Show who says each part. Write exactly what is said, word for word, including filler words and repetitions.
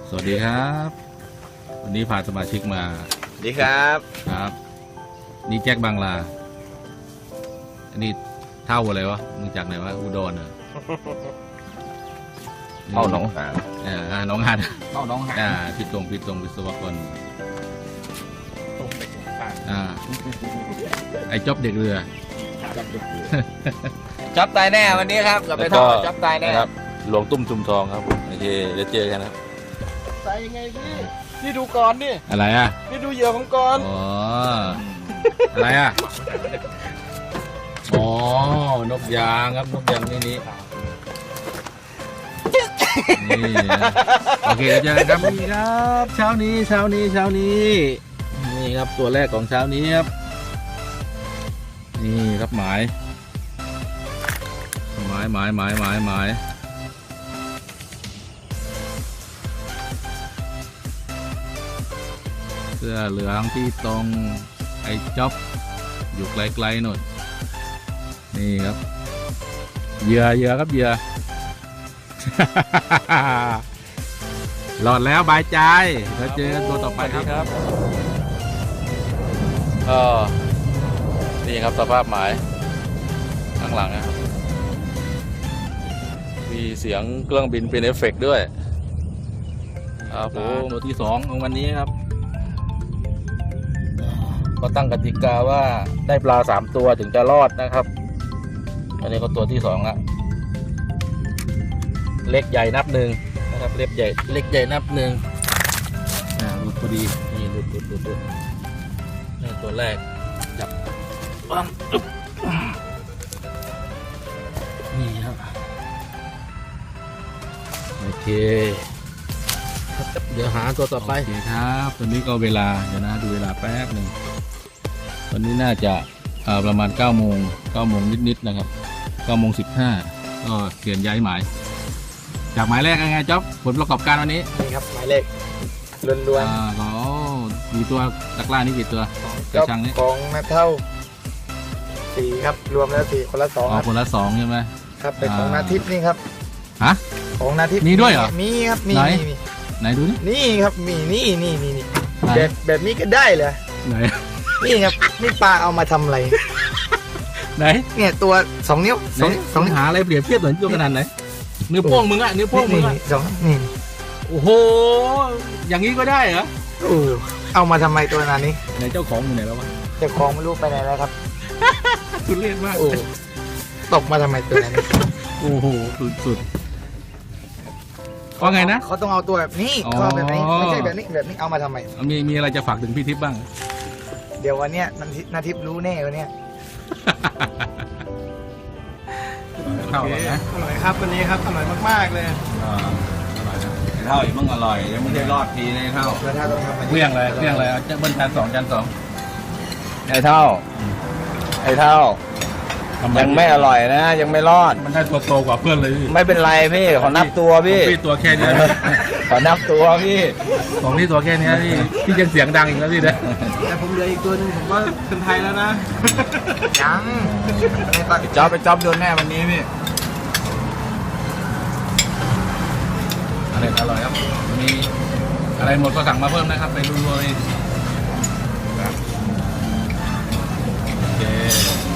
Speaker 1: สวัสดีครับวันนี้พาสมาชิกมา
Speaker 2: สวัสดีครับ
Speaker 1: ครับนี่แจ็คบางลาอันนี้เท่าอะไรวะมึงจากไหนวะอุดรเหรอ
Speaker 2: เท่าหนองหาน
Speaker 1: อ่าหนองหาน
Speaker 2: เท่าหนองหาน
Speaker 1: อ่าพิตรงพิตรงวิศวกร
Speaker 2: ตรงไปตรงข้าง
Speaker 1: อ่าไอ้จ๊อบเด็กเรือ
Speaker 2: จ๊อบตายแน่วันนี้ครับกับไปท่อจ๊อบตายแน่
Speaker 1: ครับหลวงตุ้มจุมทองครับโอเคเดี๋ยวเจอกันครับ
Speaker 2: ตายยังไงพี่พี่ดูก่อนดิ
Speaker 1: อะไรอ่ะ
Speaker 2: พี่ดูเหยื่อของก่อน
Speaker 1: อ๋ออะไรอ่ะอ๋อนกยางครับนกยางนี่นี่นี่โอเคเจอกันครับนี่ครับเช้านี้เช้านี้เช้านี้นี่ครับตัวแรกของเช้านี้ครับนี่ครับหมายหมายหมายหมายหมายหมายเสื้อเหลืองที่ตรงไอ้จ๊อบอยู่ไกลๆหน่อยนี่ครับเหยื่อเหยื่อครับเหยื่อ หลอดแล้วบายใจแล้วเจอตัวต่อไปครับก็นี่ครับสภาพหมายข้างหลังนะครับมีเสียงเครื่องบินเป็นเอฟเฟกต์ด้วยครับผมตัวที่สองของวันนี้ครับก็ตั้งกติกาว่าได้ปลาสามตัวถึงจะรอดนะครับอันนี้ก็ตัวที่สองละเล็กใหญ่นับหนึ่งนะครับเล็กใหญ่เล็กใหญ่นับหนึ่งอ่าหลุดพอดีนี่หลุดหลุดหลุดหลุดนี่ตัวแรกจับปั๊มนี่ครับโอเคเดี๋ยวหาตัวต่อไปโอเคครับตอนนี้ก็เวลาเดี๋ยวนะดูเวลาแป๊บหนึ่งตอนนี้น่าจะประมาณเก้าโมงเก้าโมงนิดๆนะครับเก้าโมงสิบห้าก็เปลี่ยนย้ายหมายจากหมายแรกยังไงจ๊อบผลประกอบการวันนี้
Speaker 2: นี่ครับหมายเลขล้วนๆ
Speaker 1: อ่าก็มีตัวตะกร้านี่กี่ตัวกระชังนี้
Speaker 2: ของนักเท่าสี่ครับรวมแล้วสี่คนละสอง
Speaker 1: ครับคนละสองใช่ไหม
Speaker 2: ครับเป็นของนาทิพย์นี่ครับ
Speaker 1: ฮะ
Speaker 2: ของนาทิพย์
Speaker 1: มีด้วยเหรอ
Speaker 2: มีครับมีมี
Speaker 1: ไหนดูนี่
Speaker 2: นี่ครับมีนี่นี่นี่นี่แบบแบบนี้ก็ได้เหรอ
Speaker 1: ไหน
Speaker 2: นี่ครับนี่ปลาเอามาทำอะไร
Speaker 1: ไหน
Speaker 2: เนี่ยตัวสองนิ้วสอง
Speaker 1: สองหาอะไรเปรียบเทียบเหมือนตัวขนาดไหนนิ้วโป้งมึงอะนิ้วโป้งมึงอะ
Speaker 2: สองนี่
Speaker 1: โอ้โหอย่างนี้ก็ได้เหรอ
Speaker 2: โอ้เอามาทำไมตัวนั้นนี้
Speaker 1: ไหนเจ้าของอยู่ไหนแล้ววะ
Speaker 2: เจ้าของไม่รู้ไปไหนแล้วครับ
Speaker 1: สุดเล่นมาก
Speaker 2: โอ้ตกมาทำไมตัวนั้น
Speaker 1: โอ้โหสุดสุดว่าไงนะ
Speaker 2: เขาต้องเอาตัวแบบนี้เขาแบบนี้ไม่ใช่แบบนี้แบบนี้เอามาทำไม
Speaker 1: มีมีอะไรจะฝากถึงพี่ทิพย์บ้าง
Speaker 2: เดี๋ยววันเนี้ยนาทิพย์รู้แน่วันเนี้ย
Speaker 1: เท่านะ
Speaker 2: อร่อยครับวันนี้ครับอร่อยมากๆเลย
Speaker 1: อ่าอร่อยนะเท่าอีกมั่งอร่อยยังไม่ได้รอดทีเลยเท่าเรี่ยงเลยเรี่ยงเลยจะเบิ้ลจานสองจานสอง
Speaker 2: ไอ้เท่าไอ้เท่ายังไม่อร่อยนะยังไม่รอด
Speaker 1: มันได้ตัวโตกว่าเพื่อนเลย
Speaker 2: ไม่เป็นไรพี่ขอนับตัวพี่
Speaker 1: พี่ตัวแค่นี้
Speaker 2: ขอนับตัวพี่
Speaker 1: ของนี่ตัวแค่นี้พี่พี่ยังเสียงดังอีกแล้วพี่นะ
Speaker 2: แต่ผมเหลืออีกตัวนึงผมว่าเป็นไทยแล้วนะยังไปจ๊อบไปจ๊อบโดนแน่วันนี้พี่
Speaker 1: อะไรอร่อยครับมีอะไรหมดก็สั่งมาเพิ่มนะครับไปรัวๆเลยโอเค